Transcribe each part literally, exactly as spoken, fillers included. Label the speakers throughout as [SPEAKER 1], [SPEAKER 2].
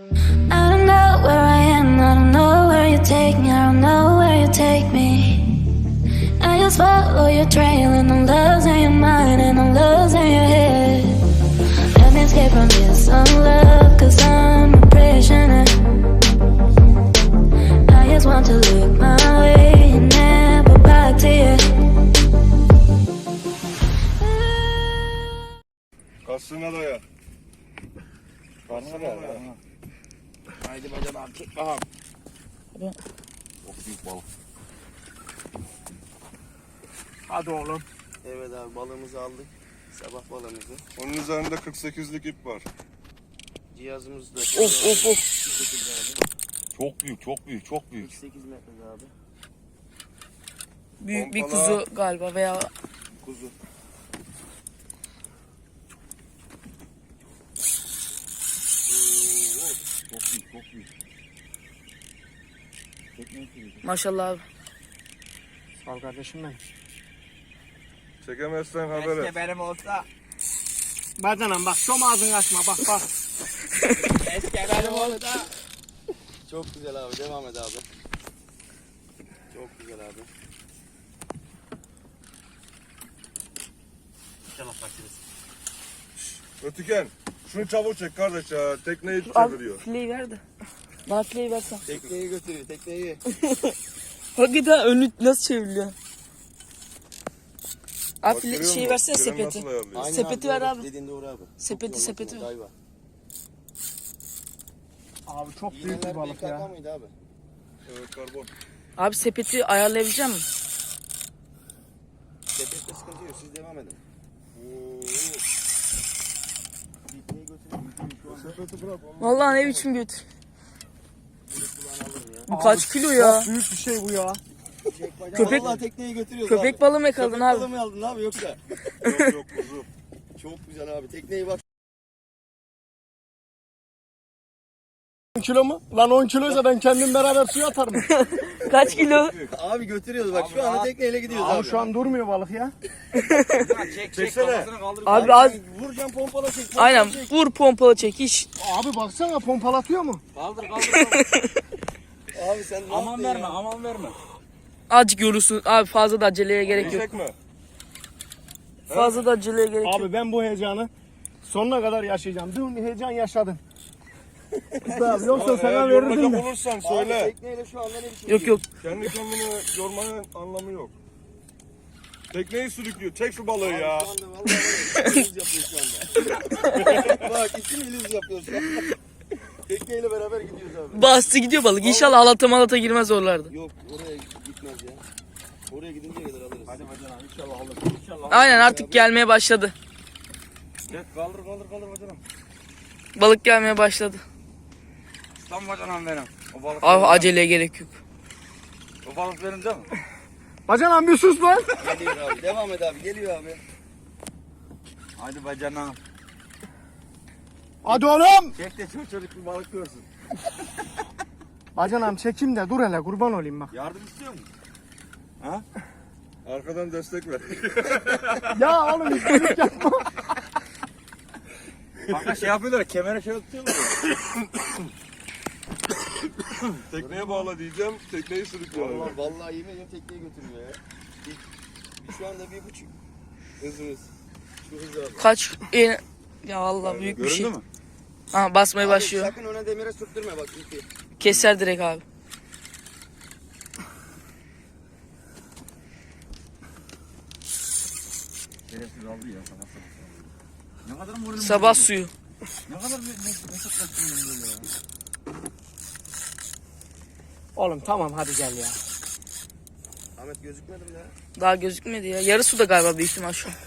[SPEAKER 1] I don't know where I am, I don't know where you take me, I don't know where you take me. I just follow your trail and I'm losing your mind and I'm losing your head. Let me escape from this unlove, cause I'm a prisoner. I just want to look my way and never back to you.
[SPEAKER 2] Kasına daya.
[SPEAKER 3] Karnına da. Haydi bacan abi çek bakalım.
[SPEAKER 2] Çok büyük balık.
[SPEAKER 3] Hadi oğlum.
[SPEAKER 4] Evet abi balığımızı aldık. Sabah balığımızı.
[SPEAKER 2] Onun üzerinde kırk sekizlik ip var.
[SPEAKER 4] Cihazımız da.
[SPEAKER 3] Of of of.
[SPEAKER 2] Çok büyük, çok büyük, çok büyük.
[SPEAKER 4] kırk sekiz metre abi.
[SPEAKER 5] Büyük bir
[SPEAKER 2] Pompala.
[SPEAKER 5] kuzu galiba veya
[SPEAKER 4] Kuzu.
[SPEAKER 2] Çok büyük, çok büyük.
[SPEAKER 5] maşallah abi.
[SPEAKER 3] Sağ ol kardeşim benim.
[SPEAKER 2] Çekemezsen haber et.
[SPEAKER 3] Keşke benim olsa. Bacanam bak şom ağzını açma bak bak. Keşke benim olsa.
[SPEAKER 4] Çok güzel abi. Devam et abi. Çok güzel abi. İnşallah kaçırırız.
[SPEAKER 2] Ötüken, şunu çabuk çek kardeş ya. Tekneyi
[SPEAKER 5] Abi
[SPEAKER 2] çeviriyor.
[SPEAKER 5] fileyi ver de. Bana fileyi versen.
[SPEAKER 4] Tekneyi götürüyor. Tekneyi.
[SPEAKER 5] Hakikaten önü nasıl çevriliyor? Abi
[SPEAKER 2] Bak,
[SPEAKER 5] file,
[SPEAKER 2] görüyor
[SPEAKER 5] şeyi
[SPEAKER 2] musun?
[SPEAKER 5] versene
[SPEAKER 2] Freni
[SPEAKER 5] sepeti.
[SPEAKER 2] nasıl ayarlıyor?
[SPEAKER 4] Aynen
[SPEAKER 5] Sepeti ver
[SPEAKER 4] doğru.
[SPEAKER 5] abi.
[SPEAKER 4] Dediğin doğru abi.
[SPEAKER 5] Sepeti,
[SPEAKER 4] Çok
[SPEAKER 5] sepeti
[SPEAKER 4] yorulmasın,
[SPEAKER 5] ver.
[SPEAKER 4] dayva.
[SPEAKER 3] Abi çok büyük
[SPEAKER 4] İğneler
[SPEAKER 3] bir balık
[SPEAKER 4] B K K
[SPEAKER 3] ya.
[SPEAKER 4] mıydı abi?
[SPEAKER 2] Evet, karbon.
[SPEAKER 5] Abi sepeti ayarlayabilecek misin?
[SPEAKER 4] Sepette sıkıntı yok. Siz devam edin.
[SPEAKER 2] Oo.
[SPEAKER 4] Tekneyi götürüyor. Şu anda
[SPEAKER 2] Sepeti bırak. onu-
[SPEAKER 5] Vallahi ne biçim göt.
[SPEAKER 4] kulağını alırım ya.
[SPEAKER 5] Bu kaç kilo ya?
[SPEAKER 3] Çok büyük bir şey bu ya.
[SPEAKER 4] Çek bacağı.
[SPEAKER 5] Köpek-
[SPEAKER 4] Vallahi tekneyi götürüyoruz
[SPEAKER 5] Köpek
[SPEAKER 4] abi.
[SPEAKER 5] balığı mı yakaladın
[SPEAKER 4] Köpek
[SPEAKER 5] abi?
[SPEAKER 4] balığı mı aldın abi yoksa?
[SPEAKER 2] Yok yok kuzu.
[SPEAKER 4] Çok güzel abi. Tekneyi bak.
[SPEAKER 3] on kilo mu? Lan on kiloysa ben kendim beraber suya atarım.
[SPEAKER 5] Kaç kilo?
[SPEAKER 4] Abi götürüyoruz bak. Şu anda tekneyle gidiyoruz abi.
[SPEAKER 3] Abi şu an durmuyor balık ya. Çek
[SPEAKER 2] Çeksene.
[SPEAKER 5] Abi az
[SPEAKER 4] Vuracağım pompala çek. pompala
[SPEAKER 5] aynen
[SPEAKER 4] çek.
[SPEAKER 5] vur pompalı çek hiç.
[SPEAKER 3] Abi baksana pompalatıyor mu?
[SPEAKER 6] Kaldır kaldır kaldır.
[SPEAKER 4] Abi sen ne
[SPEAKER 6] aman
[SPEAKER 4] yaptın
[SPEAKER 6] verme
[SPEAKER 4] ya?
[SPEAKER 6] aman verme.
[SPEAKER 5] Azıcık yorulsun. Abi fazla da aceleye gerek yok.
[SPEAKER 2] Yiyecek mi?
[SPEAKER 5] Fazla da aceleye gerek yok.
[SPEAKER 3] Abi ben bu heyecanı sonuna kadar yaşayacağım. Dün heyecan yaşadım. Abi, yoksa
[SPEAKER 2] Eğer
[SPEAKER 3] sana verirdim
[SPEAKER 2] yorulacak
[SPEAKER 3] de.
[SPEAKER 2] olursan
[SPEAKER 4] Abi
[SPEAKER 2] söyle.
[SPEAKER 4] tekneyle şu anda ne biçim
[SPEAKER 5] Yok yok.
[SPEAKER 2] Kendi kendini yormanın anlamı yok. Tekneyi sürüklüyor. Çek şu balığı ya.
[SPEAKER 4] Şu anda vallahi var ya, ilüz yapıyor şu anda. Bak isim ilüz yapıyor şu anda. Tekneyle beraber gidiyoruz abi.
[SPEAKER 5] Bastı gidiyor balık. İnşallah halata malata girmez oralarda.
[SPEAKER 4] Yok oraya gitmez ya. Oraya gidince kadar alırız.
[SPEAKER 6] Hadi bacanam inşallah alır. İnşallah.
[SPEAKER 5] Aynen artık gelmeye başladı.
[SPEAKER 6] Gel kaldır kaldır kaldır bacanam.
[SPEAKER 5] Balık gelmeye başladı.
[SPEAKER 6] Lan bacanam benim. O balık
[SPEAKER 5] Abi
[SPEAKER 6] benim.
[SPEAKER 5] aceleye gerek yok.
[SPEAKER 6] O balık benim değil mi?
[SPEAKER 3] Bacanam bir sus lan.
[SPEAKER 4] Geliyor abi. Devam et abi. Geliyor abi.
[SPEAKER 6] Hadi bacanam.
[SPEAKER 3] Hadi oğlum.
[SPEAKER 6] Çek de çocuk çocuk bir balık görsün.
[SPEAKER 3] Bacanam çekim de dur hele kurban olayım bak.
[SPEAKER 6] Yardım istiyor musun?
[SPEAKER 2] Arkadan destek ver.
[SPEAKER 3] Ya oğlum istedik yapma.
[SPEAKER 6] Kanka şey yapıyorlar kemere şey tutuyorlar.
[SPEAKER 2] Tekneye bağla diyeceğim. Tekneyi sürüklüyor.
[SPEAKER 4] Vallahi, vallahi yemin ediyorum tekneyi götürüyor ya. Bir, bir şu anda bir buçuk hızımız. Şu hız abi.
[SPEAKER 5] Kaç e, ya Allah büyük bir şey.
[SPEAKER 6] Göründü mü?
[SPEAKER 5] Ha basmaya
[SPEAKER 4] Abi
[SPEAKER 5] başlıyor.
[SPEAKER 4] sakın öne demire sürttürme bak ipi.
[SPEAKER 5] Keser direkt abi.
[SPEAKER 6] Şerefsiz aldı ya sana. Ne kadar moralim
[SPEAKER 5] Sabah
[SPEAKER 6] bozuldu.
[SPEAKER 5] suyu.
[SPEAKER 6] Ne kadar mesut mesut böyle ya.
[SPEAKER 3] Oğlum tamam hadi gel ya.
[SPEAKER 4] Ahmet gözükmedim ya.
[SPEAKER 5] Daha gözükmedi ya. Yarı suda galiba büyük ihtimal şu an.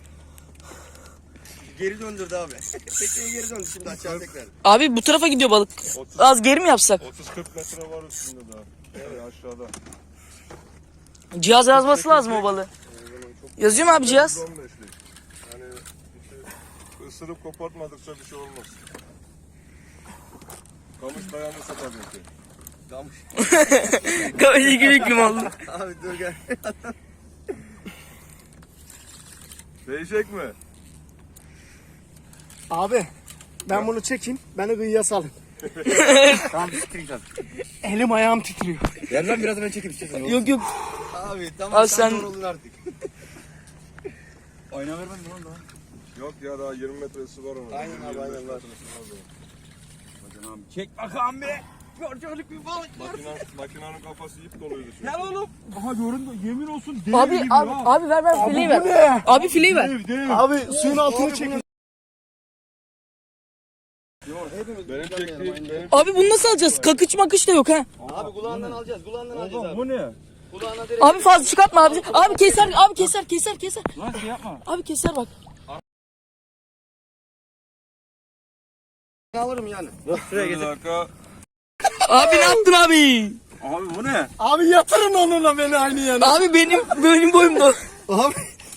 [SPEAKER 4] Geri döndürdü abi. Tekneyi geri döndü şimdi aşağı tekrar.
[SPEAKER 5] Abi bu tarafa gidiyor balık. Az geri mi yapsak?
[SPEAKER 2] otuz kırk metre var üstünde daha. Evet aşağıda.
[SPEAKER 5] Cihaz yazması lazım o balığı. Yazıyor mu abi cihaz?
[SPEAKER 2] on beşlik. Yani işte ısırıp kopartmadıkça bir şey olmaz. Kamış dayanırsa tabii ki.
[SPEAKER 4] Kamış.
[SPEAKER 5] Kafayı gülük limanlı.
[SPEAKER 4] Abi dur gel.
[SPEAKER 2] Değecek mi?
[SPEAKER 3] Abi ben bunu çekeyim. Beni kıyıya salın.
[SPEAKER 6] Tamam siktir git abi.
[SPEAKER 3] Elim ayağım titriyor.
[SPEAKER 6] Gel lan biraz ben çekeyim istiyorsan.
[SPEAKER 5] Yok yok.
[SPEAKER 4] Abi tamam
[SPEAKER 5] Abi
[SPEAKER 4] sen
[SPEAKER 5] sen-
[SPEAKER 4] yoruldun artık.
[SPEAKER 6] Oyna vermedin mi lan daha?
[SPEAKER 2] Yok ya daha yirmi metresi var onun.
[SPEAKER 4] Aynen abi, aynen var.
[SPEAKER 6] Hadi abi çek bakalım be. Çocuk bir balık.
[SPEAKER 2] Makina, makinanın kafası ip doluydu. çünkü.
[SPEAKER 6] Gel oğlum. Aha göründü. Yemin olsun dev
[SPEAKER 5] Abi
[SPEAKER 6] gibi
[SPEAKER 5] abi
[SPEAKER 6] ya.
[SPEAKER 5] abi ver ver fileyi ver. Abi fileyi ver.
[SPEAKER 6] Dev dev.
[SPEAKER 3] Abi suyun altını çekin.
[SPEAKER 2] Benim çektiğim, benim
[SPEAKER 5] Abi bunu nasıl alacağız? Kakıç makıç da yok ha.
[SPEAKER 4] Abi kulağından alacağız. Kulağından alacağız
[SPEAKER 6] Oğlum
[SPEAKER 4] abi.
[SPEAKER 6] bu ne?
[SPEAKER 4] Kulağına direkt.
[SPEAKER 5] Abi fazla çıkartma abi. Abi keser abi keser keser keser.
[SPEAKER 6] Lan şey yapma.
[SPEAKER 5] Abi keser bak.
[SPEAKER 4] Alırım yani.
[SPEAKER 2] bir dakika.
[SPEAKER 5] Abi ne yaptın abi?
[SPEAKER 6] Abi bu ne?
[SPEAKER 3] Abi yatırın onunla beni aynı yana.
[SPEAKER 5] Abi benim benim boyumda.
[SPEAKER 3] Abi.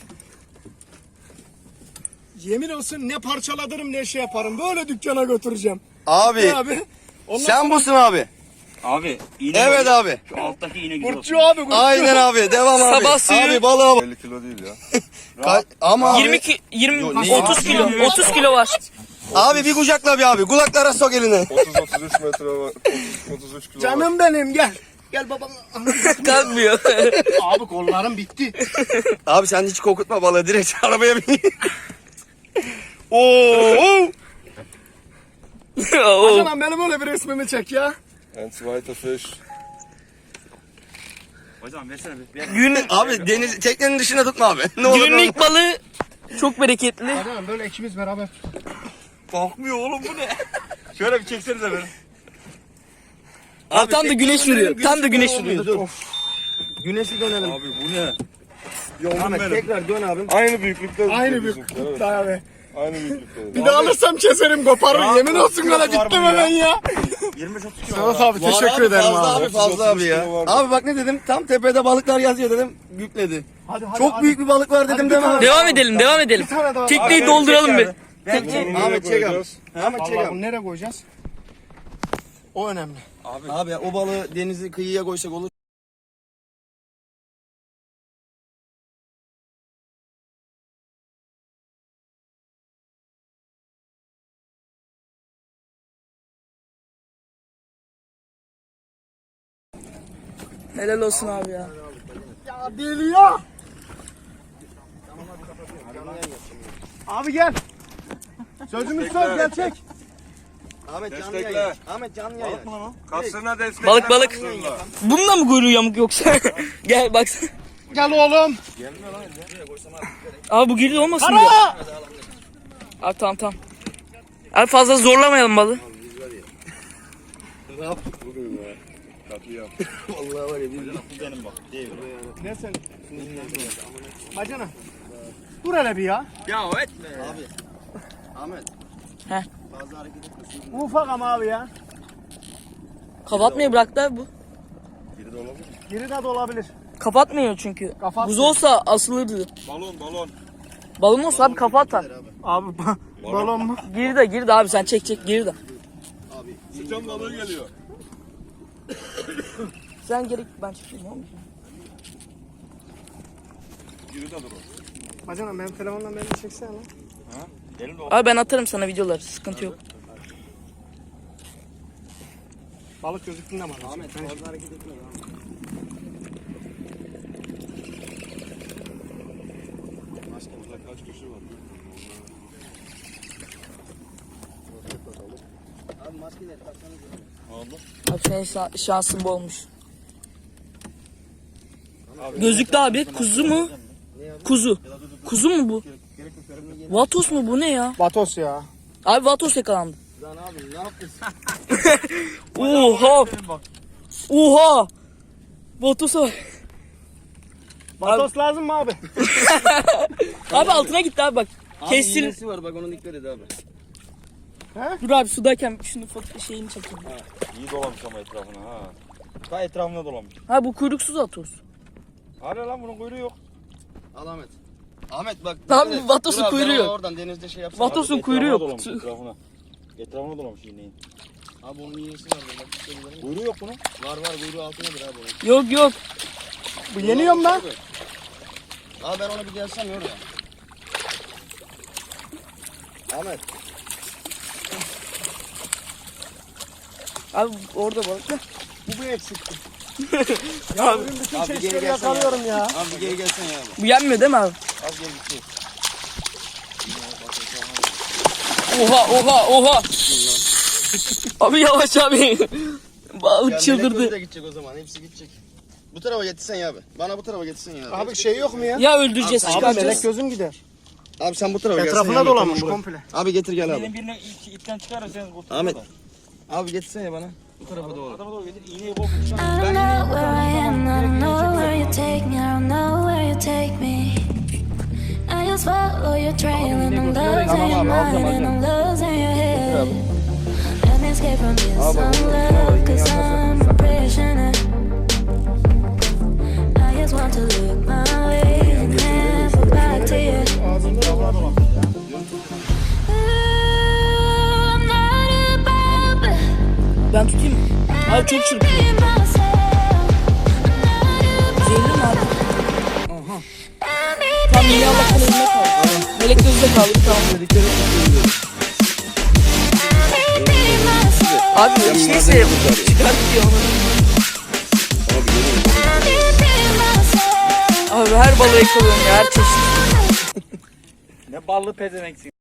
[SPEAKER 3] Yemin olsun ne parçaladırım ne şey yaparım. Böyle dükkana götüreceğim.
[SPEAKER 4] Abi
[SPEAKER 3] Ne abi? Ondan
[SPEAKER 4] sen busun abi.
[SPEAKER 6] Abi iğne.
[SPEAKER 4] Evet
[SPEAKER 6] var.
[SPEAKER 4] abi.
[SPEAKER 6] Şu alttaki iğne güzel
[SPEAKER 3] Burççu
[SPEAKER 6] olsun.
[SPEAKER 3] abi burççu.
[SPEAKER 4] Aynen abi. Devam abi.
[SPEAKER 5] Sabah suyu-
[SPEAKER 4] Abi balığa bak.
[SPEAKER 2] elli kilo değil ya.
[SPEAKER 4] Ka- Ama
[SPEAKER 5] yirmi
[SPEAKER 4] abi.
[SPEAKER 5] ki yirmi
[SPEAKER 4] Yo, ne-
[SPEAKER 5] otuz kilo. otuz kilo var.
[SPEAKER 4] Abi bir kucakla bir abi. Kulaklara sok elini.
[SPEAKER 2] otuz otuz üç metre var. otuz otuz üç kilo var.
[SPEAKER 3] Canım benim gel. Gel babam.
[SPEAKER 5] Kalkmıyor.
[SPEAKER 3] Abi kollarım bitti.
[SPEAKER 4] Abi sen hiç kokutma balığı. Direkt arabaya bin. Oo.
[SPEAKER 5] Oo.
[SPEAKER 3] Canım benim öyle bir resmimi çek ya.
[SPEAKER 2] And zweiter fish.
[SPEAKER 6] Hocam versene bir. Ver.
[SPEAKER 5] Gün
[SPEAKER 4] Abi deniz teknenin dışına tutma abi. Ne olur.
[SPEAKER 5] günün ilk balığı çok bereketli.
[SPEAKER 3] Canım böyle ikimiz beraber.
[SPEAKER 6] Kalkmıyor oğlum bu ne? Şöyle bir çeksenize beni.
[SPEAKER 5] Abi tam da güneş vuruyor. Tam da güneş vuruyor.
[SPEAKER 4] Dur. Güneşi dönelim.
[SPEAKER 6] Abi bu ne?
[SPEAKER 4] Ahmet
[SPEAKER 6] benim.
[SPEAKER 4] tekrar dön abim.
[SPEAKER 2] Aynı büyüklükte.
[SPEAKER 3] Aynı
[SPEAKER 2] bizimkiler,
[SPEAKER 3] bir
[SPEAKER 2] evet.
[SPEAKER 3] abi.
[SPEAKER 2] Aynı büyüklükte.
[SPEAKER 3] Bir daha alırsam keserim koparım. Yemin olsun
[SPEAKER 6] kilosu
[SPEAKER 3] öyle
[SPEAKER 6] var
[SPEAKER 3] bittim
[SPEAKER 6] bunun
[SPEAKER 3] hemen
[SPEAKER 6] ya.
[SPEAKER 3] ya.
[SPEAKER 6] yirmi otuz kilo.
[SPEAKER 3] Sedat abi
[SPEAKER 4] Var
[SPEAKER 3] teşekkür
[SPEAKER 4] abi,
[SPEAKER 3] ederim
[SPEAKER 4] fazla
[SPEAKER 3] abi.
[SPEAKER 4] abi. Fazla abi ya.
[SPEAKER 2] kilo vardı.
[SPEAKER 4] Abi bak ne dedim? Tam tepede balıklar yazıyor dedim. Yükledi.
[SPEAKER 3] Hadi, hadi,
[SPEAKER 4] Çok
[SPEAKER 3] hadi.
[SPEAKER 4] büyük bir balık var dedim
[SPEAKER 3] bir
[SPEAKER 4] deme
[SPEAKER 3] tane.
[SPEAKER 4] abi.
[SPEAKER 5] Devam edelim, devam edelim.
[SPEAKER 3] Bir tane daha.
[SPEAKER 5] Tekneyi
[SPEAKER 6] Abi,
[SPEAKER 5] dolduralım bir.
[SPEAKER 6] çek abi.
[SPEAKER 2] Bunu nereye
[SPEAKER 4] Ahmet çek abi.
[SPEAKER 2] koyacağız?
[SPEAKER 4] Ahmet çek
[SPEAKER 3] Allah
[SPEAKER 4] abi.
[SPEAKER 3] bunu nereye koyacağız? O önemli.
[SPEAKER 4] Abi o balığı denizi kıyıya koysak olur.
[SPEAKER 5] Helal olsun abi ya.
[SPEAKER 3] Ya deli ya. Abi gel. Sözümüz söz gel çek.
[SPEAKER 4] Ahmet canlı
[SPEAKER 2] Destekle.
[SPEAKER 4] yayın. Ahmet canlı yayın.
[SPEAKER 2] Kasırına destek.
[SPEAKER 5] Balık balık.
[SPEAKER 2] Kasırına.
[SPEAKER 5] Bununla mı kuyruğu yamuk yoksa? Gel baksana.
[SPEAKER 3] Gel oğlum.
[SPEAKER 5] Abi bu girdi olmasın ya.
[SPEAKER 3] Ara.
[SPEAKER 5] Abi tamam tamam. Abi fazla zorlamayalım balığı.
[SPEAKER 4] Ne yaptık bugün ya?
[SPEAKER 2] Katliam.
[SPEAKER 4] Vallahi var ya biz
[SPEAKER 6] Bu benim bak. Değil.
[SPEAKER 3] Ne sen? Bacana. Dur hele bir ya.
[SPEAKER 6] Ya etme.
[SPEAKER 4] abi. Ahmet.
[SPEAKER 5] Heh.
[SPEAKER 4] Fazla hareket etmesin.
[SPEAKER 3] Bu ufak ama abi ya.
[SPEAKER 5] Kapatmayı bıraktı abi bu.
[SPEAKER 2] Biri de olabilir.
[SPEAKER 3] Geri de olabilir.
[SPEAKER 5] Kapatmıyor çünkü.
[SPEAKER 3] Kapatmıyor.
[SPEAKER 5] Buz olsa asılırdı.
[SPEAKER 2] Balon balon.
[SPEAKER 5] Balon olsa abi kafa atar.
[SPEAKER 3] Abi ba- balon mu?
[SPEAKER 5] Geri de geri de abi sen çek çek geri de.
[SPEAKER 2] Sıçan balığı geliyor.
[SPEAKER 5] Sen gerek ben çekeyim oğlum.
[SPEAKER 2] Biri de dur o.
[SPEAKER 3] Bacana benim telefondan beni çeksene lan.
[SPEAKER 6] Elim de
[SPEAKER 5] Abi ben atarım sana videoları sıkıntı yok.
[SPEAKER 3] Balık gözüktüğünde mi?
[SPEAKER 4] Ahmet fazla hareket etme ya.
[SPEAKER 2] Burada kaç kişi var?
[SPEAKER 4] Abi maskeleri taksanız.
[SPEAKER 5] Abi senin şa- şansın bu olmuş. Gözlüklü abi kuzu mu? Kuzu. Kuzu mu bu? Vatos mu bu ne ya?
[SPEAKER 3] Batos ya.
[SPEAKER 5] Abi vatos yakalandı.
[SPEAKER 4] Lan abi ne yaptın?
[SPEAKER 5] Oha. Oha. Vatosa bak.
[SPEAKER 3] Batos lazım mı abi?
[SPEAKER 5] Abi altına gitti abi bak.
[SPEAKER 4] Abi
[SPEAKER 5] Kestir.
[SPEAKER 4] iğnesi var bak onu dikkat et abi.
[SPEAKER 5] Dur abi sudayken şunu foto şeyini çekeyim.
[SPEAKER 6] İyi dolamış ama etrafına ha. Ta etrafına dolamış.
[SPEAKER 5] Ha bu kuyruksuz vatos.
[SPEAKER 6] Hadi lan bunun kuyruğu yok.
[SPEAKER 4] Al Ahmet. Ahmet bak.
[SPEAKER 5] Tamam,
[SPEAKER 4] dikkat et.
[SPEAKER 5] Vatos'un
[SPEAKER 4] Dur abi, ben
[SPEAKER 5] kuyruğu
[SPEAKER 4] ona
[SPEAKER 5] yok.
[SPEAKER 4] Oradan denizde şey yapsana.
[SPEAKER 5] Vatos'un
[SPEAKER 6] Etrafına
[SPEAKER 5] kuyruğu yok.
[SPEAKER 6] Dolamış, etrafına. Etrafına dolamış iğneyi.
[SPEAKER 4] Abi onun iğnesi var. Bak istedim.
[SPEAKER 6] Kuyruğu yok bunun.
[SPEAKER 4] Var var kuyruğu altındadır abi onun.
[SPEAKER 5] Yok yok.
[SPEAKER 3] Bu yeniyorum ben.
[SPEAKER 4] Abi ben onu bir gelsem ya oraya. Ahmet.
[SPEAKER 5] Abi orada balık da.
[SPEAKER 3] Bu bu eksikti. ya bugün bütün
[SPEAKER 4] Abi geri
[SPEAKER 3] çeşitleri
[SPEAKER 4] gelsene
[SPEAKER 3] yakalıyorum ya.
[SPEAKER 4] Abi geri gelsene ya abi.
[SPEAKER 5] Bu yenmiyor değil mi abi?
[SPEAKER 4] Az geri git.
[SPEAKER 5] Oha oha oha. Abi yavaş abi. Balık
[SPEAKER 4] Ya
[SPEAKER 5] çıldırdı.
[SPEAKER 4] melek de gidecek o zaman. Hepsi gidecek. Bu tarafa getirsen ya abi. Bana bu tarafa getirsen ya abi.
[SPEAKER 3] Abi şey yok mu ya?
[SPEAKER 5] Ya öldüreceğiz
[SPEAKER 3] Abi
[SPEAKER 5] çıkaracağız.
[SPEAKER 3] melek gözüm gider.
[SPEAKER 4] Abi sen bu tarafa gelsen
[SPEAKER 3] Etrafına
[SPEAKER 4] ya.
[SPEAKER 3] dolanmış
[SPEAKER 4] Tamam,
[SPEAKER 3] komple.
[SPEAKER 4] bırak. Abi getir gel abi.
[SPEAKER 6] Benim birine ilk ipten çıkarırsanız kurtulur.
[SPEAKER 4] Ahmet. Abi getirsene ya bana. Bu tarafa doğru.
[SPEAKER 6] Adama doğru getir. İğneyi bol.
[SPEAKER 1] I don't know where I am, I don't know where you take me, I don't know where you take me. I just follow your trail and I'm losing your mind and I'm losing your head. Let me escape from this love, cause I'm a prisoner. I just want to look my way and never back to you. Ooh, I'm not above.
[SPEAKER 5] Ben tutayım mı? Abi çok çırpıyor. Zehirli mi abi? Aha. Tam yine Allah'ın önüne kaldı. Melek gözde kaldı tamam. Abi neyse çıkart diyor onu. Abi her balığı yakalıyorum ya her çeşit.
[SPEAKER 6] Ne ballı pezevenksin.